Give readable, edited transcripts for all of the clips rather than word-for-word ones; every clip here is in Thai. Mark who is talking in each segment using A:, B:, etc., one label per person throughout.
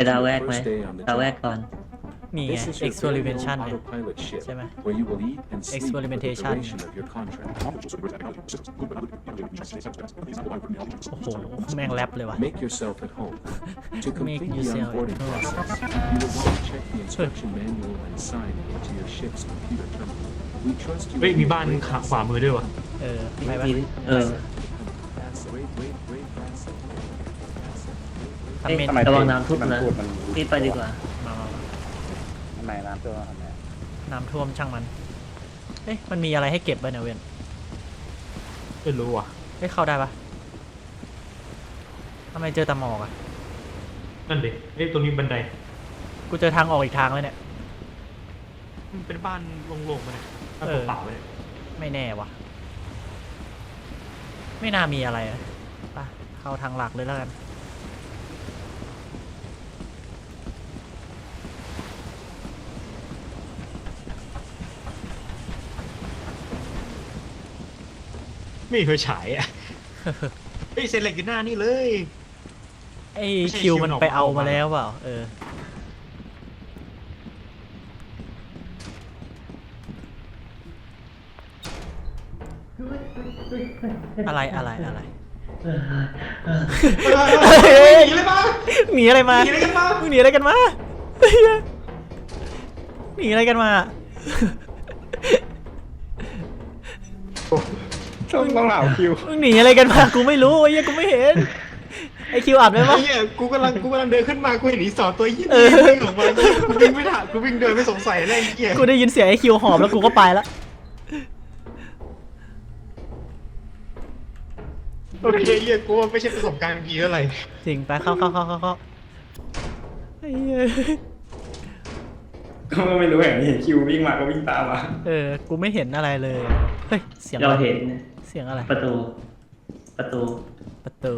A: ดาวแรกไหมดาวแรกก่อน
B: นี่ไง experimentation เนี่ยใช่ไหม experimentation โอ้โหแม่งแรปเลยว่ะ
C: Make yourself at home. To
B: Make
C: complete the
B: yourself
C: onboarding
B: at home.
C: process, you will want to check the instruction manual and sign into your ship's computer terminal. We trust you.
D: เฮ้ยมีบ้านขวามือด้วยวะ
B: ไปปะ
A: มี
B: ทำเมน
E: ทำไม
A: ระวังน้ำท่วมนะ
E: พูดมัน
A: รีบไปดีกว่า
B: มา
E: ทำไมน้ำตัวทำไม
B: น้ำท่วมช่างมันเอ๊ะมันมีอะไรให้เก็บบ้างเนี่ยเว้น
D: ไม่รู้ว่ะ
B: เอ๊ะเข้าได้ปะทำไมเจอแต่หมอกอ่ะ
D: นั่นดิตรงนี้บันได
B: กูเจอทางออกอีกทางแล้วเนี่ย
D: มันเป็นบ้านโล่งๆมาเนี่ยบ้านเปล่าๆเลย
B: ไม่แน่วะไม่น่ามีอะไรอะไปเข้าทางหลักเลยแล้วกัน
D: ไม่มีไฟฉายอ่ะ เฮ้ยเซนเหล็กอยู่หน้านี่เลย
B: ไอ้
D: ไม่ใช่
B: คิว
D: คิว
B: มัน
D: ออก
B: ไปเอา
D: ออก
B: มา
D: มา
B: แล้วเปล่าอะไร
D: หนีเลยปะ
B: หนีอะไรมา
D: หนีอะไรกันมา
B: มึงหนีอะไรกันมาหนีอะไรกันมา
E: ต้องเหล่าคิว
B: มึงหนีอะไรกันมากูไม่รู้ไอ้เหี้ยกูไม่เห็นไอ้คิวอัดไหม
D: ไอ้
B: วะ
D: เหี้ยกูกำลังเดินขึ้นมากูเห็นอีสอนตัวยี่นี่วิ่งออกมากูวิ่งไม่ทันกูวิ่งเดินไม่สงสัยเลยไอ้เหี้ย
B: กูได้ยินเสียงไอ้คิวหอบแล้วกูก็ไปแล้ว
D: โอเคเหี้ยกูว่าไม่ใช่ประสบการณ์ดีเท่าไหร่
B: จริงไปเข้าไอ้เหี้ย
E: ก็ไม่รู้อย่างนี้เห็นคิววิ่งมาก็วิ่งตามมา
B: กูไม่เห็นอะไรเลยเฮ้ยเสียง
A: เรา
B: อะไร
A: เห็น
B: เสียงอะไร
A: ประตู
B: ประตู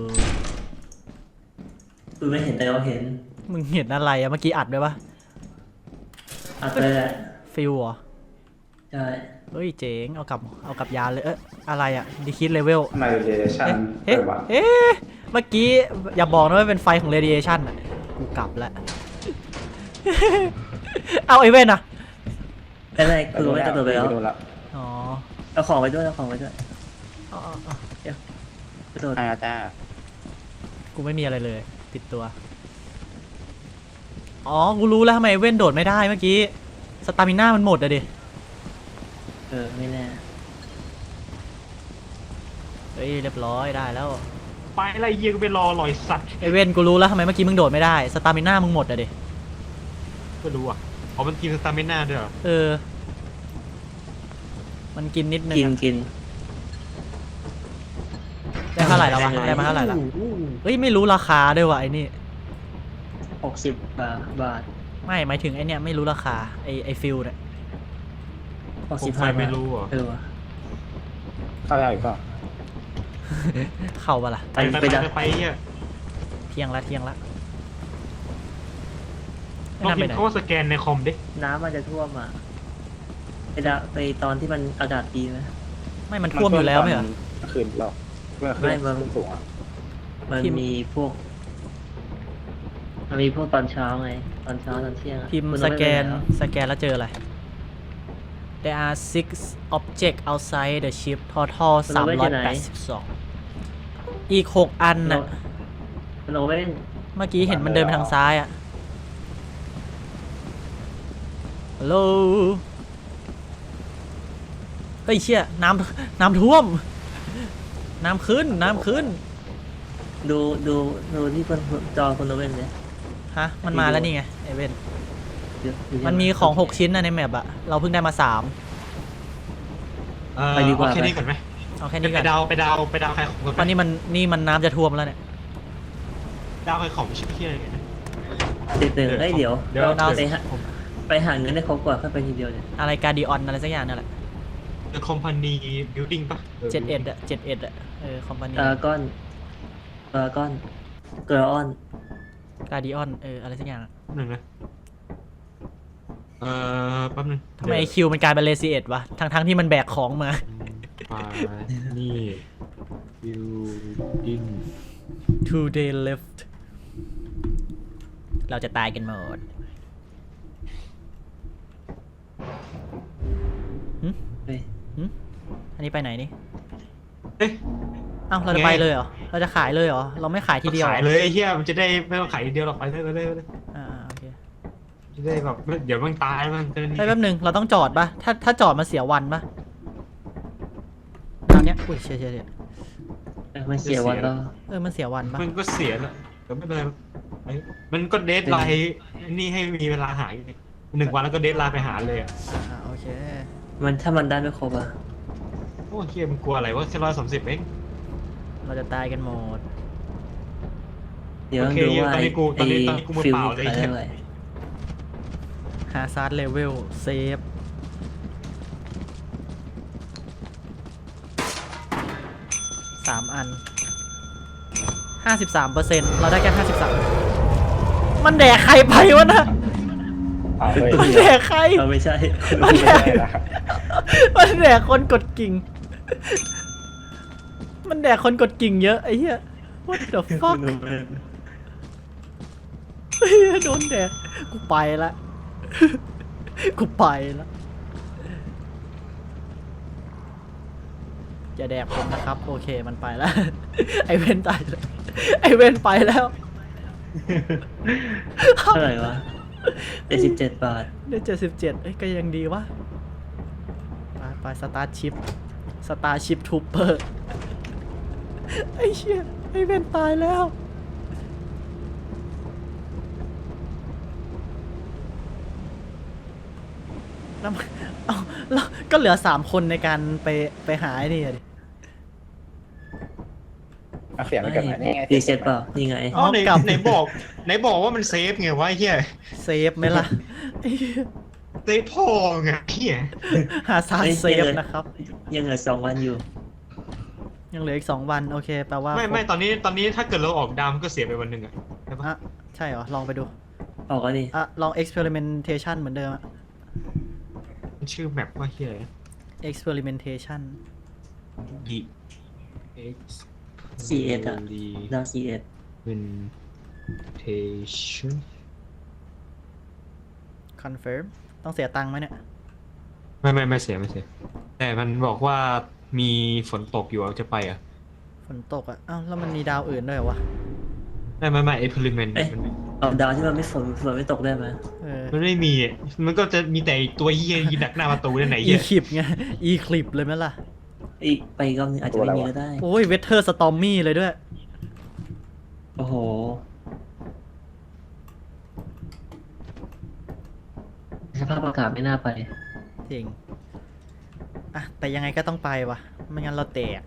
A: คือไม่เห็นแต่เราเห็น
B: มึงเห็นอะไรอะเมื่อกี้อัดด้วยปะ
A: อัดไปแหละ
B: ฟิลเหรอ
A: ใช่
B: เฮ้ยเจ๋งเอากลับยานเลยอะไรอะดีคิดเลเวล
E: ทำไมเรเดชั่น
B: เอ๊ะ
E: เปิดวะ
B: เอ๊ะเมื่อกี้อย่าบอกนะว่าเป็นไฟของ radiation อ่ะ กูกลับแล้ว เอาไอเว่นอ่ะ
A: ไม่เป็นไรคือไม่กระโดดไปแล้ว
E: โดนละ
B: อ๋อ
A: เอาของไปด้วย
B: อ๋อ
A: กระโดด
E: จ้า
B: กูไม่มีอะไรเลย ติดตัว อ๋อ กูรู้แล้วทำไมเว่นโดดไม่ได้เมื่อกี้ สตามิน่ามันหมดอะดิ
A: ไม่แน่
B: เฮ้ยเรียบร้อยได้แล้ว
D: ไปอะไรเหี้ยกูไปรอลอยสัตว์
B: ไอเว่นกูรู้แล้วทำไมเมื่อกี้มึงโดดไม่ได้ สตามิน่ามึงหมดอะดิ
D: ไม่รู้อ่ะอ๋อมันกินสตามิน่าด้วยเหรอ
B: มันกินนิดนึง
A: กิน
B: ได้เท่าไหร่แล้ววะได้มาเท่าไหร่แล้วเฮ้ยไม่รู้ราคาด้วยวะไอ้นี่
A: 60 บาท
B: ไม่หมายถึงไอเนี่ยไม่รู้ราคาไอฟิลเนี่ย
D: ผมไฟไม่รู้เหรอ
A: ว่ะ
E: เข้าได้อีกก็
B: เข้าปะล่ะ
D: ไปเหี้ย
B: เที่ยงละ
D: ลอง
B: ไม่น่า
D: พิ
B: ไป
D: ม
B: ไหน
D: พ์เขาว่าสแกนในคอมดิ
A: น้ำมันจะท่วมอ่ะไปตอนที่มันอากาศดีไหม
B: ไม่มันท่วมอยู่แล้วไม่เหรอ
E: คืนเราเมื่อคืน
A: ไม่มัน
E: สูงอ่ะ
A: มัน
B: พิมพ์
A: มีพวกตอนเช้าไงตอนเช้าตอนเที่ยงอะ
B: พิมพ์
A: คุณ
B: ส
A: ต้อง
B: แก
A: ไป
B: น
A: แล้ว
B: สแกนแล้วเจออะไร There are 6 objects outside the ship total 382อีก 6 อันน่ะ
A: คุณโอเว่น
B: เมื่อกี้เห็นมันเดินไปทางซ้ายอ่ะฮัลโหลเฮ้ยเชี่ยน้ำท่วม น้ำขึ้น
A: ดูที่จอคุณโอเว่นเลย
B: ฮะ มันมาแล้วนี่ไงไอเว่น
A: อยู่ที่
B: มันมีของ 6 ชิ้นนะในแมปอะเราเพิ่งได้มา 3
A: ไปดีกว่า
D: เอาแค่นี้ก่อนไหม
B: เอาแค่
D: ไป
B: นี้ก่อน
D: ดาวใครของก่อน
B: ตอนนี้มันน้ำจะท่วมแล้วเนี่ย
D: ดาวใครของไม่ใช่เพี้ยอะไรนะ
A: ติดหนึ่งเอ้ยเดี๋ยว
B: ดาว
A: ไปหาเงินได้ครบกว่าค่อยไปทีเดียวเนี่ย
B: อะไรการดิออนอะไรสักอย่างนั่นแหละ
D: The Company Building ปะ
B: 71อะ71อะคอมพานี
A: ก้อนเกลือออน
B: การดิออนอะไรสักอย่าง
D: หนึ่งนะแป๊บนึง
B: ทำไมไอคิวมันกลายเป็นเลซีเอ็ดวะทั้งที่มันแบกของมา
D: นี่ Building
B: Two day left เราจะตายกันหมดหึ
A: เฮ้ย
B: หึอันนี้ไปไหนนี่
D: เอ๊ะ
B: เอ้าเราจะไปเลยเหรอ เราจะขายเลยเหรอ เราไม่ขายทีเดียวหรอ
D: ขายเลยไอ้เหี้ยมันจะได้ไม่ต้องขายทีเดียวหรอกไปเลย
B: โอเค
D: จะได้แบบเดี๋ยวมันตายมันจะนี่
B: แป๊บนึงเราต้องจอดปะถ้าจอดมาเสียวันปะตอนเนี้ยอุ้ยเชี่ย
A: มันเสียวันแล้ว
B: มันเสียวันปะ
D: มันก็เสียแล้วแต่ไม่เป็นไรมันก็เดทไลน์นี่ให้มีเวลาหาอีก1 วันแล้วก็เดทไลน์ไปหาเลยอ่ะ
B: โอเค
A: มันถ้ามันได้ไม่ครบอ่ะ
D: โอ้เฮียมันกลัวอะไรวะแค่130เอง
B: เราจะตายกันหมด
A: เดี๋ยว
D: โอเค
A: ดูว่า
D: ตอนนี้กูมือ
A: ฟิล
D: เปล่าเลย
A: ขายได้เท่าไหร่
B: หาซาร์ดเลเวลเซฟ3 อัน 53%เราได้แค่53มันแดกใครไปวะนะ
E: เอาเลย
B: มันแดกใคร
A: เราไม่ใช่
B: มันแด
E: ไม่
B: ก
E: ได้ละ
B: มันแดกคนกดกิ่ง มันแดกคนกดกิ่งเยอะไอ้เหี้ย what the fuck เฮ้ยโดนแดกกูไปละ กูไปละอย่าแดกผมนะครับ โอเคมันไปแล้ว ไอเวนตายแล้วไอเวนไปแล้ว
A: เท่าไหร่วะ77 บาท
B: ได้77เอ้ยก็ยังดีวะไปสตาร์ชิปทูเปอร์ไอ้เชี่ยไอเวนตายแล้วแล้วเอาแล้วก็เหลือ3 คนในการไปหาไอ้นี่ดิ
E: เอาเสียงไปก่อนนะนี่ไง
A: รีเซ็ตเปล่า นี่ไง
D: อ๋อไหน
B: กลับ
D: ไหนบอกว่ามันเซฟไงวะไอ้เฮีย
B: เซฟไหมล่ะไอ้เหี้ย
D: เซฟพอไงเฮีย
B: หาซาร์เซฟนะครับ
A: ยังเหลือ2 วันอยู่
B: ยังเหลืออีก2 วันโอเคแปลว่า
D: ไม่ตอนนี้ถ้าเกิดเราออกดามก็เสียไปวันหนึ่งอ่ะใช่ปะ
B: อ่ะใช่เหรอ ลองไปดู
A: ออกก็ดี
B: ลอง experimentation เหมือนเดิมอะ
D: มันชื่อแมปว่าเฮีย
B: experimentation
D: D X
A: C1 อ่ะดาว C1
D: Experimentation
B: confirm ต้องเสียตังค์ไหมเนี่ย
D: ไม่เสียแต่มันบอกว่ามีฝนตกอยู่จะไปอ่ะ
B: ฝนตกอ่ะ อ้าว แล้วมันมีดาวอื่นด้วยเหรอวะ
D: ไม่experiment
A: เอ๊ะ เอาดาวที่มันไม่ฝนไม่ตกได้ไหม
D: มันไม่มีอ่ะมันก็จะมีแต่ตัวเฮียยืนดักหน้าประตูนั่นไหน
B: อี
D: เฮีย
B: คลิปไง อีคลิปเลยไหมล่ะ
A: อีกไปอีกรอบนึงอาจจะไม่มีก็ได้
B: โอ้ยเวเทอร์สตอมมี่เลยด้วย
A: โอ้โห สภาพอากาศไม่น่าไป
B: จริง อ่ะ แต่ยังไงก็ต้องไปวะไม่งั้นเราแตก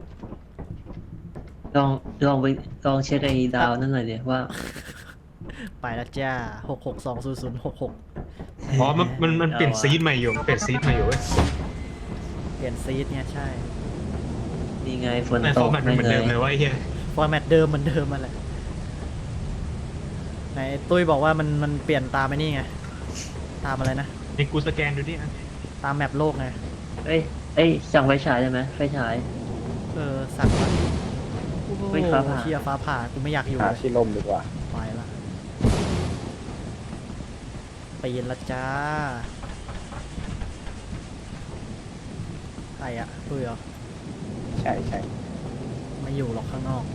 A: ลองเช็คไอ้ดาวนั่นหน่อยดิว่า
B: ไปแล้วจ้า6620066
D: อ๋อมันเปลี่ยนซีดใหม่อยู่เว้ย
B: เปลี่ยนซีดเนี่ยใช่
A: นี่ไงฝน
D: แต่
A: ต
D: ฟอก ร์แมตมันเหมือนเดิมเลยว่าไอ้เฮีย
B: ฟอร์แมตเดิมเหมือนเดิมมาแหละไหนตุ้ยบอกว่ามันเปลี่ยนตามไอ้นี่ไง ตามอะไรนะ
D: ในกูสแกนดูดิอ่ะ
B: ตามแมปโลกไง
A: เอ้ยสั่งไฟฉายได้ไหมไฟฉาย
B: สั่งมาโอ้โห
A: เฮ้ยฟ้าผ่า
B: เชียฟ้าผ่ากูไม่อยากอยู่
E: หา
B: เลย
E: ที่ลมดีกว่า
B: ไปละปีนละจ้าใครอะตุ้ยเหรอ
E: ใช่
B: ไม่อยู่หรอกข้างนอก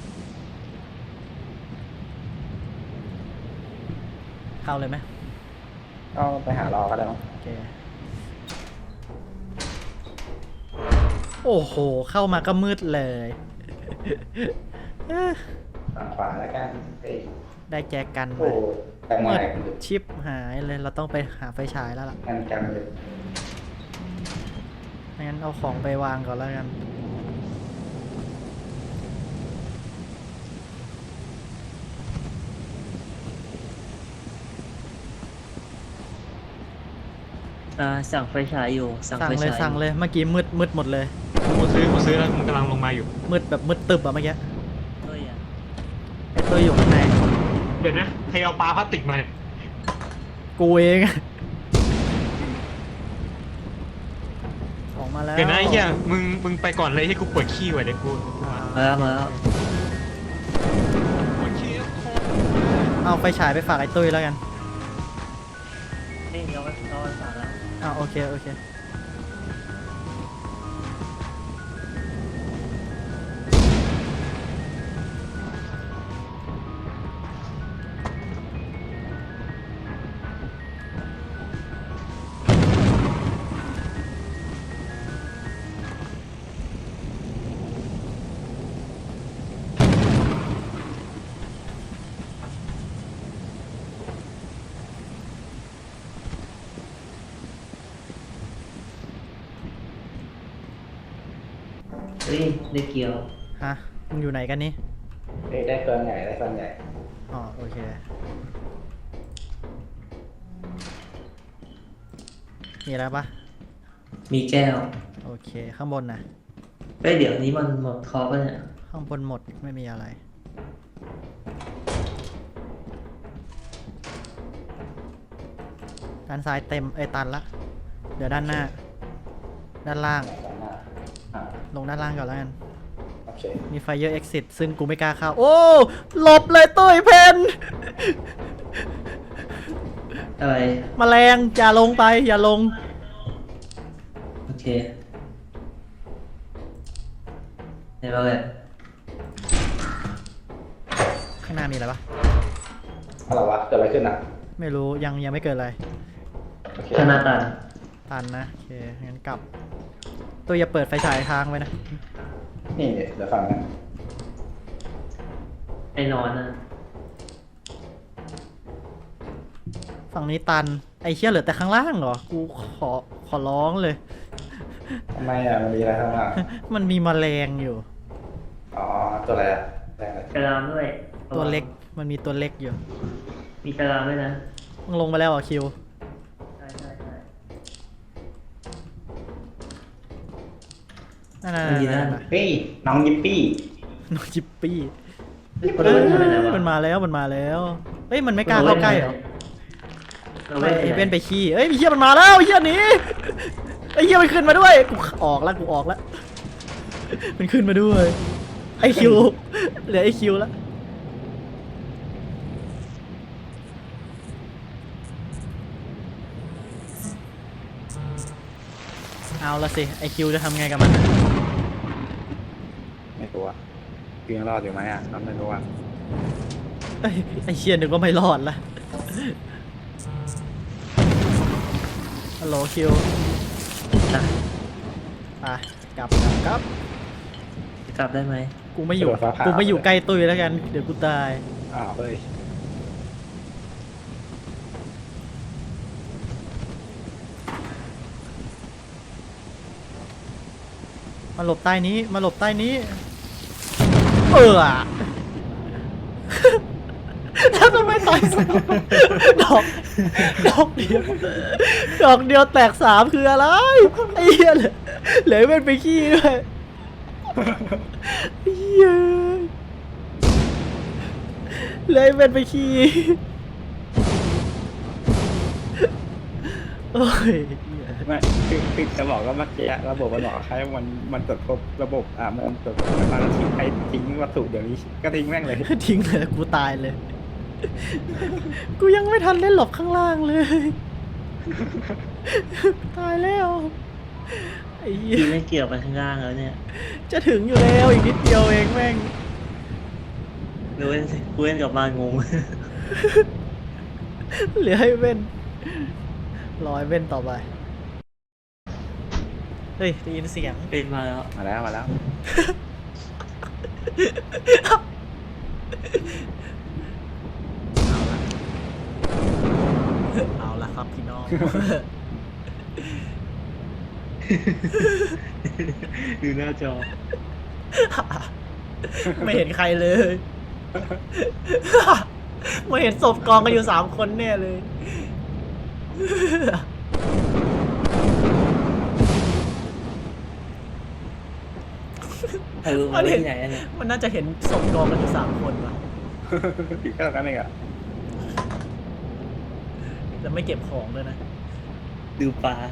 B: เข้าเลยไหม
E: ก็ไปหารอก็ได้มั้ง
B: โอเค โอ้โห เข้ามาก็มืดเลยเอ้อ
E: ฝั่งขวาแล้วกันเอ้ย
B: ได้แจกัน
E: โอ้
B: มา
E: แต่งให
B: มื
E: ม่
B: ดชิปหายเลย เราต้องไปหาไฟฉายแล้วล่ะ
E: กันจังเลย
B: งั้นเอาของไปวางก่อนแล้วกัน
A: สั่งไฟฉายอยู่ สั่ง
B: สั่ง
A: ไฟ
B: เลย
A: ฉาย
B: สั่งเลย เมื่อกี้มืดหมดเลย
D: กูซื้อแล้วมันกำลังลงมาอยู่
B: มืดแบบมืดตึบอะเมื่อกี้
A: เฮ้ยอะ
B: ไอ้ตัวอยู่ข้างใน
D: เดี๋ยวนะใครเอาปลาพลาสติกมาเนี่ย
B: กูเองออกมาแล้ว
D: เดี๋ยวนะไอ้เฮียมึงไปก่อนเลยให้กูปวดขี้ไว้เดี๋ยวกู
A: มาแล้ว
D: ปวดขี้แล้ว
B: เอาไฟฉายไปฝากไอ้ตุ้ยแล้วกัน
A: นี่เอาไว้ฝากแล้ว
B: อ้าวโอเคโอเค
A: เฮ้ยได้เกี่ยว
B: ฮะมึงอยู่ไหนกันนี่
E: เฮ้ยได้เฟิร์นใหญ่ได้เฟิร์นใหญ่
B: อ๋อโอเคมีอะไรปะ
A: มีแก้ว
B: โอเคข้างบนนะ
A: เฮ้ยเดี๋ยวนี้มันหมดคอป่ะเนี่ย
B: ข้างบนหมดไม่มีอะไรด้านซ้ายเต็มตันละเดี๋ยวด้านหน้า ด้านล่าง
E: ด้านหน้าอ่า
B: ลงด้านล่างก่อนแล้วกัน
E: โอเค
B: มีไฟเยอร์ exit ซึ่งกูไม่กล้าเข้า โอ้หลบเลยตุ้ยเพน
A: อะไร
B: แมลงอย่าลงไปอย่าลง
A: โอเคเห็นป่ะเนี่ย
B: ข้างหน้ามีอะไรปะ
E: อะไรวะเกิดอะไรขึ้นอ่ะ
B: ไม่รู้ยังไม่เกิดอะไร
E: โอเค
A: ธนาตัน
B: ตันนะโอเคงั้นกลับตัวอย่าเปิดไฟฉายทางไว้นะ
E: นี่เดี๋ยวฟังนะ
A: ไอ้นอนนะ
B: ฝั่งนี้ตันไอ้เชี่ยเหลือแต่ข้างล่างเหรอกูขอร้องเลย
E: ทำไมอ่ะมันมีอะไรข้างล่าง
B: มันมีแมลงอยู่
E: อ๋อตัวอะไรอ่ะแรงอะไร
A: กระลามด้วย
B: ตัวเล็กมันมีตัวเล็กอยู่
A: มีกระลามด้วยนะ
B: มึงลงไปแล้วเหรอคิว
A: ใช่
B: นั่น
A: มันอยู่นั่น
B: ๆๆ
E: เฮ้ยน้องยิปปี้
B: ๆน้องจิปปี้
A: คนละคนเลยนะวะ
B: มันมาแล้วเฮ้ยมันไม่กล้าเข้าใกล้เหรอ
A: เรา
B: ไม่
A: เล่น
B: ไอ้
A: ไป
B: เบนไปขี้เอ้ยมีเหี้ยมันมาแล้วไอ้เหี้ยหนีไอ้เหี้ยมันขึ้นมาด้วยกูออกแล้วมันขึ้นมาด้วยไอคิวเหลือไอคิวแล้วเอาละสิไอคิวจะทำไงกับมัน
E: ไม่รู้อ่ะยังรอดอยู่ไหมอ่ะเราไม่รู้อ่ะ
B: เอ้ยไอเชียนึกว่าไม่รอดละฮัลโหลคิว
A: นะ
B: ไปกลับ
A: กลับได้ไหม
B: กูไม่อยู่ใกล้ตุ้ยแล้วกันเดี๋ยวกูตาย
E: อ้าวเฮ้ย
B: มาหลบใต้นี้แล้วทำไมตายสามดอกเดียวแตกสามคืออะไรไอ้เหี้ยเหลือเป็นไปขี้ด้วยเหี้ยเลยเป็นไปขี้โอ้ย
E: ไม่คือจะบอกว่าเมื่อกี้ระบบมันบอกใครมันตรวจพบระบบมันตรวจพบมันทิ้งใครทิ้งวัตถุเดี๋ยวนี้ก็ทิ้งแม่งเลย
B: ทิ้งเลยกูตายเลย กูยังไม่ทันได้หลบข้างล่างเลย ตายแล้วไอ้เหี้ย
A: พี่ไม่เกี่ยวไปข้างล่างแล้วเนี่ย
B: จะถึงอยู่แล้วอีกนิดเดียวเองแม่ง
A: ดูเล่นสิกูเล่นกลับมางง
B: เหลือให้เว้นรอให้เว้นต่อไปเฮ้ยได้ยินเสียง
A: เป็นมาแล้ว
E: มาแล้ว
B: เอาละครับพี่น้อง
A: ดูหน้าจอ
B: ไม่เห็นใครเลย ไม่เห็นศพกองกันอยู่3 คนแน่เลย
A: ใครรู้มาเล่นที่ไหนอะเนี่ย
B: มันน่าจะเห็นศพกองกันอยู่3 คนว่ะ
E: อีกแค่นั้นเองอ่ะ
B: แล้วไม่เก็บของด้วยนะ
A: ดูปลา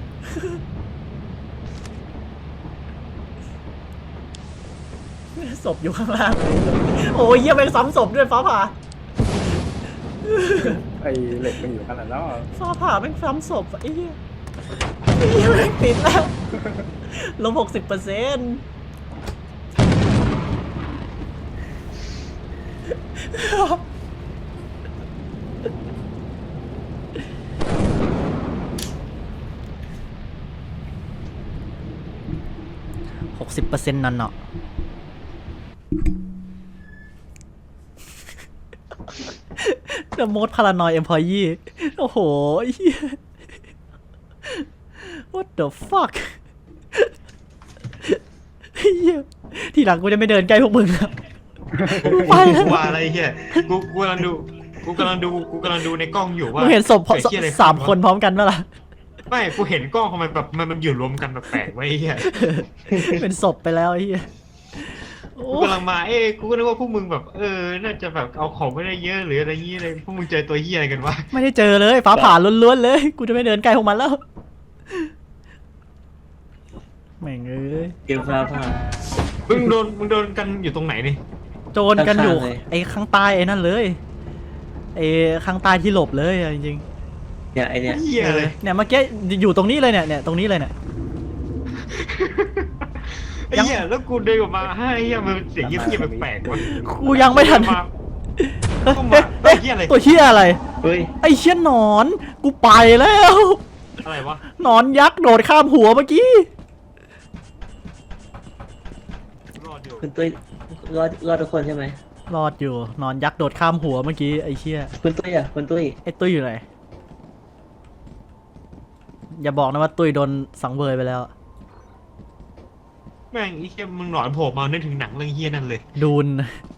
B: ศพอยู่ข้างล่างเลยโอ้ยเยี่ยมไปซ้ำศพด้วยฟ้าผ่า
E: ไอ้เหล็กมันอยู่ขนาดนั้นเหรอ
B: ฟ้าผ่าแม่งซ้ำศพไอ้เหี้ยไอ้เหี้ยแม่งติดแล้วลบ60%60%นั่นเนาะ The most paranoid employee โอ้โหไอ้เหี้ย What the fuck ไอ้เหี้ยทีหลังกูจะไม่เดินใกล้พวกมึงแล้วไปแล้ว
D: กูว่าอะไรเฮียกูกำลังดูในกล้องอยู่ว่า
B: มึงเห็นศพ
D: ไอ้เหี้ยอะไร
B: สามคนพร้อมกันปะล่ะ
D: ไม่กูเห็นกล้องทำไมแบบมันอยู่รวมกันแบบแปลกไว้เฮีย
B: เป็นศพไปแล้วไอ้เหี้ยโอ้
D: กูกำลังมากูก็นึกว่าพวกมึงแบบน่าจะแบบเอาของไม่ได้เยอะหรืออะไรเงี้ยเลยพวกมึงเจอตัวเฮียอะไรกันวะ
B: ไม่ได้เจอเลยฟ้าผ่าล้วนๆเลย กูจะไม่เดินใกล้พวกมันแล้วแม่งเอ้ย
A: เกมฟ้าผ่า
D: มึงโดนกันอยู่ตรงไหนนี่
B: โจรกันอยู่
A: ข้างๆเลย
B: ไอ้ข้างใต้ไอ้นั่นเลยไอ้ข้างใต้ที่หลบเลยอะจริง
A: เนี่ยไอเนี่ย
D: เฮียเลย
B: ๆเนี่ยเมื่อกี้อยู่ตรงนี้เลยเนี่ยตรงนี้เลยเนี่ย
D: ไอ้เหี้ยแล้วกูเดินออกมาไอ้เหี้ยมันเสียงเงียบๆแปลกๆวะ
B: กูยังไม่ทัน
D: มาก็มาไอ้เหี้ยอะไร
B: ตัวเหี้ยอะไร
A: เฮ้ย
B: ไอ้เชี่ยหนอนกูไปแล้ว
D: อะไรวะ
B: หนอนยักษ์โดดข้ามหัวเมื่อกี้
D: รอดอยู่
A: คุณตุ้ยรอดทุกคนใช่ไหม
B: รอดอยู่หนอนยักษ์โดดข้ามหัวเมื่อกี้ไอ้เชี่ย
A: คุณตุ้ยอ่ะคุณตุ้ย
B: ไอ้ตุ้ยอยู่ไหนอย่าบอกนะว่าตุ้ยโดนสังเวยไปแล้ว
D: แม่งไอ้เหี้ยมึงหนอนโผล่มานึกถึงหนังเรื่องเหี้ยนั่นเลย
B: ดูน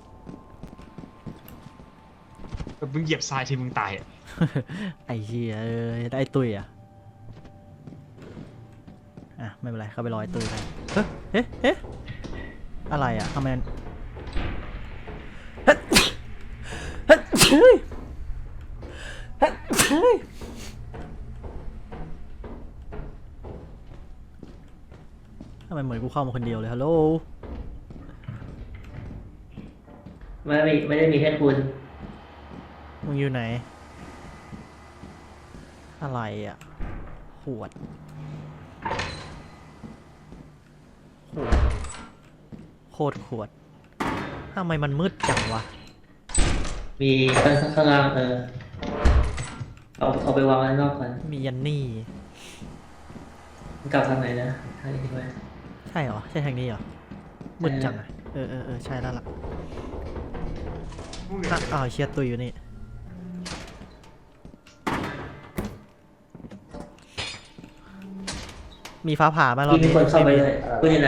D: แบบมึงเหยียบทรายทีมึงตายอ่ะ
B: ไอ้เหี้ยได้ไอ้ตุ้ยอ่ะไม่เป็นไรเข้าไปรอไอ้ตุ้ยไปเฮ้ยอะไรอ่ะทำไมมันเฮ้ยทำไมเหมือนกูเข้ามาคนเดียวเลยฮัลโหล
A: ไม่ได้มีแค่คุณ
B: มึงอยู่ไหนอะไรอ่ะขวดโคตรขวดทำไมมันมืดจังวะ
A: มีข้างล่างเอาไปวางไว้ข้างนอกก่อน
B: มียันนี่
A: มันกลับทางไหนนะทางนี้ไหม
B: ใช่เหรอ ใช่ทางนี้เหรอ มืดจังอ่ะ ใช่แล้วล่ะอ้าวเชียร์ตุยอยู่นี่ มีฟ้าผ่าไหมรอบ
A: มี
B: นี้
A: คนเข้าไปเลยคุณอยู่ไหน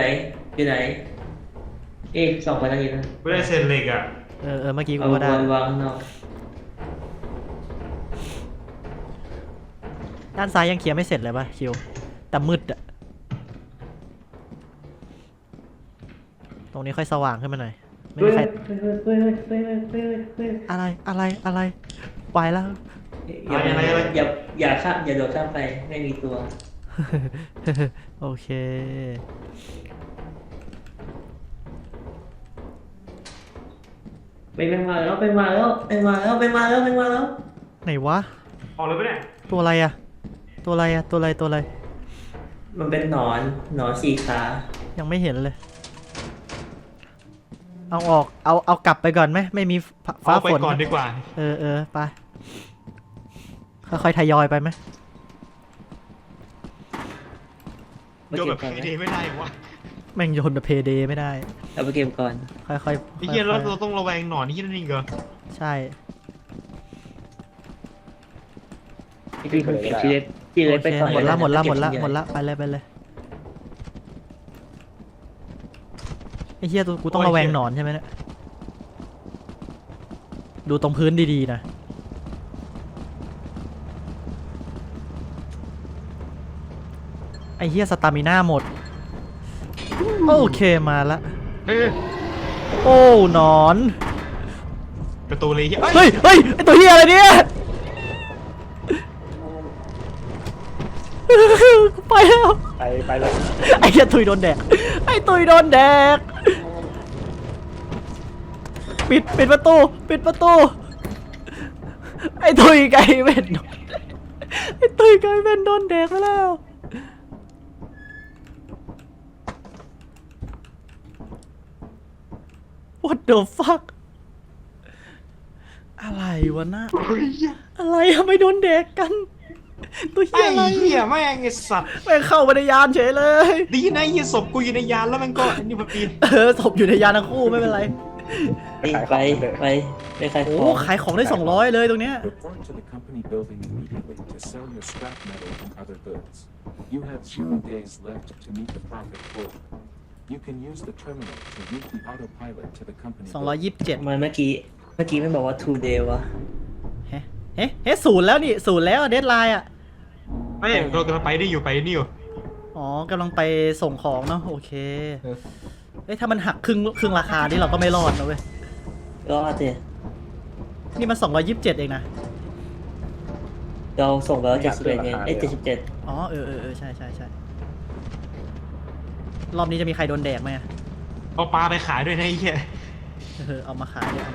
A: ส่องไปทางนี้นะ
D: ไม่ได้เซ็นเหล็กอ่ะ
B: เมื่อกี้กู
A: เอา
B: ก็ได้
A: วางข้างนอก
B: ด้านซ้ายยังเคลียร์ไม่เสร็จเลยป่ะคิว แต่มืดอะตรงนี้ค่อยสว่างขึ้นมาหน่อย ไม่มีใคร อะไร ไปแล้ว
A: อย่าข้ามอย่าโดดข้ามไปไม่มีตัว
B: โอเค
A: ไปมาแล้ว
B: ไหนวะ
D: ออกเลยปะเนี่ย
B: ตัวอะไรอะตัวอะไร
A: มันเป็นหนอนสี่ขา
B: ยังไม่เห็นเลย เอาออก เอากลับไปก่อนไหม ไม่มีฟ้า
D: เอาไป
B: ฝน
D: ก่อนดีกว่า
B: ไป ค่อยๆทยอยไปไหม
D: โยนแบบพีดีไม่ได้วะ
B: แม่งโยนแบบเพเดไม่ได้
A: เอาไปเก็บก่อน
B: ค่อยๆ
D: ไอ้เหี้ยเราต้องระแวงหนอนที่นั่นเองเหรอ
B: ใช่
A: พี่คุณเก็บที่เล็กไปก่อน
B: หมดละ
A: เ
B: ไปเลยไอ้เหี้ยตัวกูต้องระแวงหนอนใช่ไหมเนี่ยดูตรงพื้นดีๆนะไอ้เหี้ยสตามิน่าหมดโอเคมาละ
D: เฮ้ย
B: โอ้หนอน
D: ประตูเลยเหี้ย
B: เฮ้ยไอตัวเหี้ยอะไรเนี่ยกูไปแล้ว
E: ไปเลย
B: ไอ้เหี้ยตุยโดนแดกปิดประตูไอ้ตุยไก่เว้นไอ้ตุยไก่เว้นโดนแดกไปแล้ว What the fuck อะไรวะน่ะอะไรทำไมโดนแดกกัน ตัวเหี้
D: ไอ้
B: ยอะไร
D: เหี้ยแม่งไอ้สัตว์
B: แม่งเข้ามาในยานเฉยเลย
D: ดีนะไอ้เหี้ยศพกูอยู่ในยานแล้วมันก็อันนี้มาปีน
B: ศพอยู่ในยานทั้งคู่ไม่เป็นไร
A: ไปขายข
B: โอ้
A: อง
B: ขายของได้200เลยตรงเนี้ย
C: Report to the company building immediately to sell your scrap metal and other goods. You have 0 days left to meet the profit quota. You can use the terminal to route the autopilot to the company building.
B: 227
A: ทำไมเมื่อกี้ไม่บอกว่า today วะ
B: เฮ้ศูนย์แล้วนี่ศูนย์แล้วเดดไลน์อ่ะ
D: ไม่เรากำลังไปได้อยู่ไปนี่อยู่
B: อ๋อกำลังไปส่งของเนาะโอเค
D: เออ
B: เอ้ยถ้ามันหักครึ่งราคานี่เราก็ไม่รอดนะเว้ย
A: ก็สิ
B: นี่มัน227เองนะ
A: เราส่งไปแล้ว71ไง77
B: อ๋อใช่รอบนี้จะมีใครโดนแดกไหมอะ
D: เอาปลาไปขายด้วยนะไอ้เหี้ย
B: เอามาขายด้วย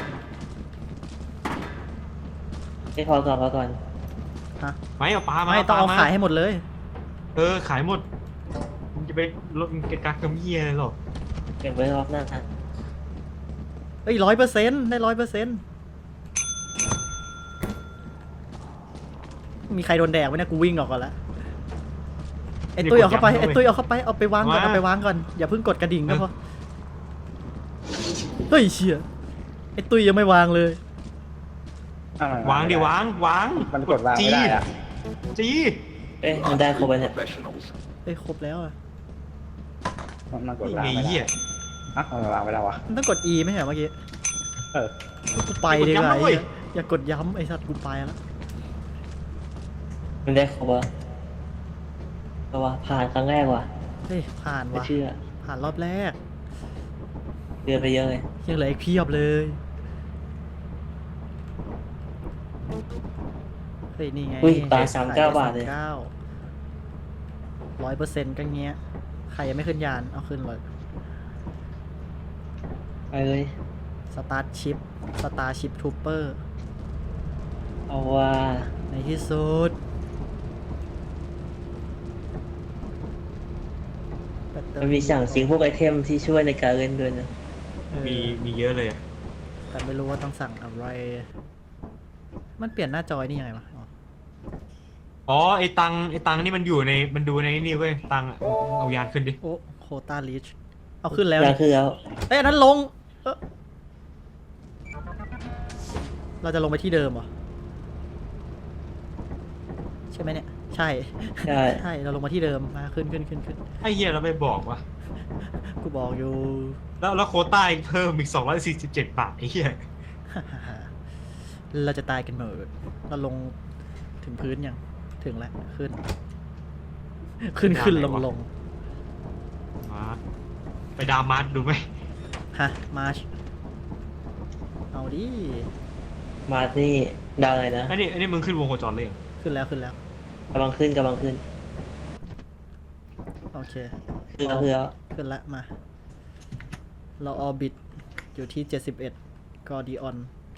A: ไม่พอก่อน
B: ฮะ
D: ไม่เอาปลามา
B: ไม่ต้องเอา
D: ปล
B: ขายให้หมดเลย
D: ขายหมดมึงจะไปลดเกะกักกับเหี้ยอะไรหรอก
A: เก็บไว้รอบหน้า
B: เอ้ย100%ได้100%มีใครโดนแดกไหมเนี่ยกูวิ่งออกก่อนละไอ้ตุ้ยเอาเข้าไปเอาไปวางก่อนอย่าเพิ่งกดกระดิ่งก็พอเฮ้ยเชี่ยไอ้ตุ้ยยังไม่วางเลย
D: วางดิวาง
E: มันกดวางไม่ได้อะ
D: จี
A: เอ๊ะมันได้ครบแล้วเนี่ย
B: เอ้ยครบแล้วอะ
E: มันกด
D: นี่
E: วาง
D: ไง
E: ไม่ได้
D: เหี้ย
E: อ่ะมันวางไม่ได้วะ
B: มันต้องกด E ไม่ใช่เหรอเมื่อกี้
E: เออ
B: กูไปดีกว่า
D: อย่ากดย้ำนะเว้ย
B: อย่ากดย้ำไอ้สัตว์กูไปแล้ว
A: มันได้ครบแล้วแต่ว่าผ่านครั้งแรกว่ะ
B: เฮ้ยผ่าน
A: ไม่
B: ว่ะ
A: เชื่อ
B: ผ่านรอบแรก
A: เดือนไปเยอะเลย
B: ยังเหลืออีกเพียบเลยเฮ้ยนี่ไง
A: อุ้ยปลา39 บาทเลย
B: 100%ก็เงี้ยใครยังไม่ขึ้นยานเอาขึ้นเลย
A: ไปเลย
B: สตาร์ชิปทูเปอร์
A: เอาว่า
B: ในที่สุดแบตเตอ
A: มัน
B: รี่
A: มีสั่งซิงพวกไอเทมที่ช่วยในการเล่นด้วยนะ
B: เออ
D: มีเยอะเลยอะ
B: แต่ไม่รู้ว่าต้องสั่งอะไร มันเปลี่ยนหน้าจอยนี่ยังไงวะอ๋อ
D: อ๋อไอ้ตังนี่มันดูในนี่เว้ยตังอะเอายานขึ้นดิ
B: โอ้โคตาลิชเอาขึ้นแล้ว
A: ยา
B: นี่
A: คือแล้ว
B: เอ้ยอันนั้นลงเราจะลงไปที่เดิมเหรอ ใช่ไหมเนี่ย ใช่
A: ใช่
B: ใช่ เราลงมาที่เดิมมาขึ้น
D: ไอ้เหี้ยเราไม่บอกว่ะ
B: กูบอกอยู่
D: แล้วโควต้าอีกเพิ่มอีก247 บาทไอ้เหี้ย
B: เราจะตายกันหมดเราลงถึงพื้นยังถึงแล้วขึ้นลง
D: มาไปดาวมาร์ทดูไหม
B: ฮะมาร์ชเอาดิ
A: มาร์ทนี่ดาวอะไรนะ
D: อันนี้มึงขึ้นวงโคจรเลยเหรอ
B: ขึ้นแล้ว
A: กำลังขึ้น
B: โอเค
A: คือแล้ว
B: ขึ้นแล้วมา เราออร์บิทอยู่ที่71กอดีออน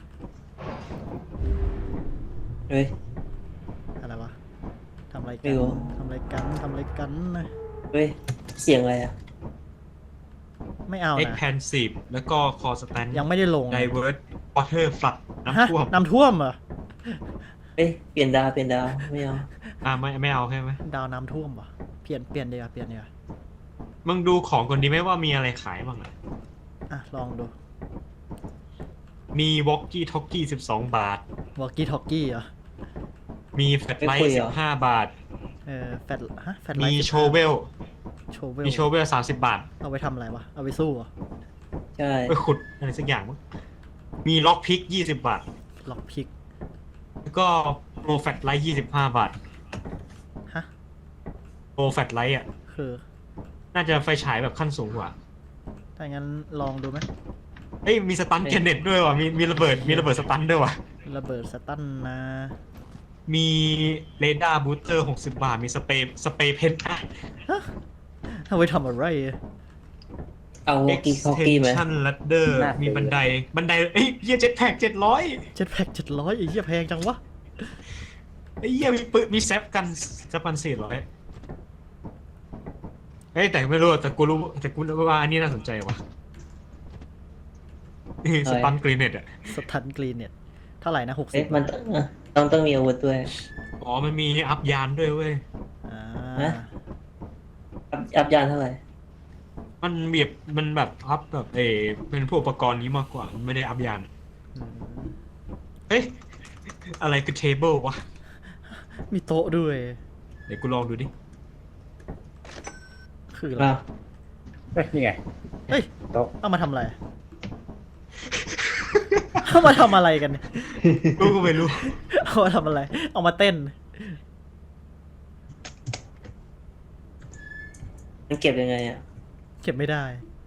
A: เฮ้ย
B: อะไรวะทำอะไร
A: ไม่
B: กัน
A: รู้
B: ทำอะไรกันนะ
A: เฮ้ยเสียงอะไรอ่ะ
B: ไม่เอา
D: เอ็ก
B: นะ
D: แพนซีฟแล้วก็คอสแตน
B: ยังไม่ได้ลง
D: ไดเวิร์ดวอเตอร์ฟลัด
B: ฮะ
D: น้ำท่วม
B: น้ำท่วมเหรอ
A: เฮ้ยเปลี่ยนดาวไม่เอา
D: ไม่เอาใช่ไหม
B: ดาวน้ำท่วมเหรอเปลี่ยนเดียว
D: มึงดูของคนนี้ไหมว่ามีอะไรขายบ้างอะ
B: อ่ะลองดู
D: มีวอกกี้ท็อกกี้12 บาท
B: วอลกี้ทอกกี้เหรอ
D: มีแฟลชไลท์15 บาท
B: แฟลไล
D: มี
B: ท์
D: โชเวล
B: โชเวล
D: มีโชเวล30 บาท
B: เอาไปทำอะไรวะ เอาไปสู้เหรอ
A: ใช่
D: ไปขุดอะไรสักอย่างมั้งมีล็อกพิก20 บาท
B: ล็อกพิก
D: แล้วก็โปรแฟลชไลท์25 บาท
B: ฮะ
D: โปรแฟลชไลท์อ่ะ
B: คือ
D: น่าจะไฟฉายแบบขั้นสูงกว่า
B: ถ้างั้นลองดูไหม
D: เอ้ยมีสตันเกนเน็ตด้วยว่ะมีระเบิดสตันด้วยว่ะ
B: ระเบิดสตันนะ
D: มีเรดาร์บูสเตอร์60 บาท มีสเปรย์เพนท์
B: เอาไปทำอะไร
A: เอาวอกี้ทอกกี้ไหม
D: extension ladder มีบันไดเอ้ยเฮียเจ็ตแพ็ก700
B: เจ็ดแพ็ก700ไอ้เหี้ยแพงจังวะ
D: ไอ้เฮียมีปืนมีแซฟกัน400เฮ้ยแต่ไม่รู้แต่กูรู้ว่าอันนี้น่าสนใจว่ะสตันกรีเนตอ่ะ
B: สตันกรีนเนี่ยเท่าไหร่นะ
A: เอ๊ะ
B: 60
A: มันต้องมีอาวุธด้วย
D: อ๋อมันมีอัพยานด้วยเว้ย
B: อ่า
A: ฮะ อัพยานเท่าไหร่
D: มันแบบอัพแบบเป็นพวกอุปกรณ์นี้มากกว่ามันไม่ได้อัพยาน
B: อืม
D: เฮ้ยอะไรคือเทเบิลวะ
B: มีโต๊ะด้วย
D: เดี๋ยวกูลองดูดิ
B: คืออะไร
A: อ้าว
E: เฮ้ยนี่ไง
B: เฮ้ย
E: โต๊ะ
B: เอามาทำอะไร เอามาทำอะไรกันเนี่ย
D: กูก็ไม่รู้
B: เอามาทำอะไร เอามาเต้น
A: มันเก็บยังไงอ่ะ
B: เก็บไม่ได้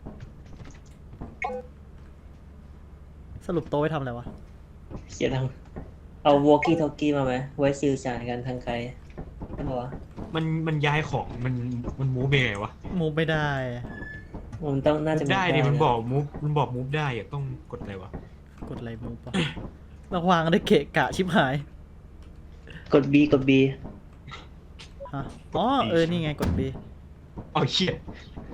B: สรุปโต๊ะไว้ทำอะไรวะ
A: เขียนทางเอาวอกี้ทอกกี้มาไหมไว้สื่อสารกันทางไกลใช่ปะวะ
D: มันย้ายของมันมูฟไปไงวะ
B: มูฟไม่ได้
A: มันต้องน่าจะ
D: ได้ดิ
A: ะ
D: มันบอกมูฟได้อะต้องกดอะไรวะ
B: กดอะไรมูฟปะระวางได้เกะกะชิบหาย
A: กด B กด B
B: ฮะ อ๋อ นี่ไงกด B
D: เอาเชี่ย